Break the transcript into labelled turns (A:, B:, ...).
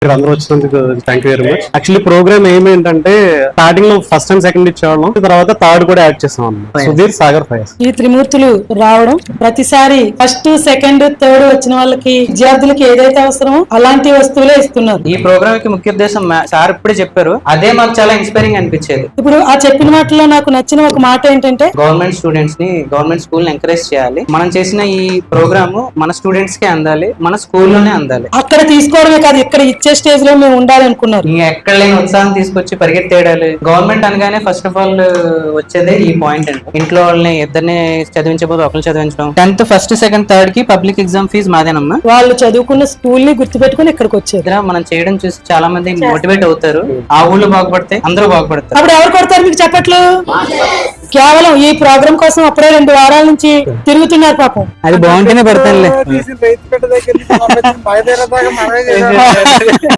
A: అందరూ వచ్చినందుకు thank you very much. Actually program ఏమేంటంటే స్టార్టింగ్ లో ఫస్ట్ అండ్ సెకండ్ ఇచ్చేవాళ్ళం, తర్వాత థర్డ్ కూడా యాడ్ చేస్తాం అన్నమాట. సుధీర్ సాగర్ ఫైర్స్
B: ఈ త్రిమూర్తులు రావడం ప్రతిసారి ఫస్ట్ సెకండ్ థర్డ్ వచ్చిన వాళ్ళకి విద్యార్థులకి ఏదైతే అవసరమో అలాంటి వస్తువులే ఇస్తున్నారు.
C: ఈ ప్రోగ్రామ్ కి ముఖ్య ఉద్దేశం సార్ ఇప్పుడే చెప్పారు, అదే మాకు చాలా ఇన్స్పైరింగ్ అనిపించేది.
B: ఇప్పుడు ఆ చెప్పిన మాటలో నాకు నచ్చిన ఒక మాట ఏంటంటే
C: గవర్నమెంట్ స్టూడెంట్స్ ని గవర్నమెంట్ స్కూల్ ని ఎంకరేజ్ చేయాలి. మనం చేసిన ఈ ప్రోగ్రామ్ మన స్టూడెంట్స్ కి అందాలి, మన స్కూల్లోనే అందాలి.
B: అక్కడ తీసుకోవడమే కాదు, ఇక్కడ ఇచ్చే స్టేజ్ లో మేము ఉండాలనుకున్నారు.
C: ఎక్కడ లేని ఉత్సాహం తీసుకొచ్చి పరిగెత్తేయాలి. గవర్నమెంట్ అనగానే ఫస్ట్ ఆఫ్ ఆల్ వచ్చేదే ఈ పాయింట్ అండి. ఇంట్లో వాళ్ళని ఇద్దరిని చదివించబోదు ఒకరిని చదివించడం. 10th ఫస్ట్ సెకండ్ థర్డ్ కి పబ్లిక్ ఎగ్జామ్ ఫీజు మాదేనమ్మా.
B: వాళ్ళు చదువుకున్న స్కూల్ ని గుర్తుపెట్టుకుని ఇక్కడికి వచ్చారు.
C: మనం చేయడం చూసి చాలా మంది మోటివేట్ అవుతారు. ఆ ఊళ్ళో బాగుపడితే అందరూ బాగుపడతారు.
B: అప్పుడు ఎవరు కొడతారు మీకు చెప్పట్లు? కేవలం ఈ ప్రోగ్రామ్ కోసం అప్పుడే 2 వారాల నుంచి తిరుగుతున్నారు పాపం.
C: అది బాగుంటేనే పెడతానులే.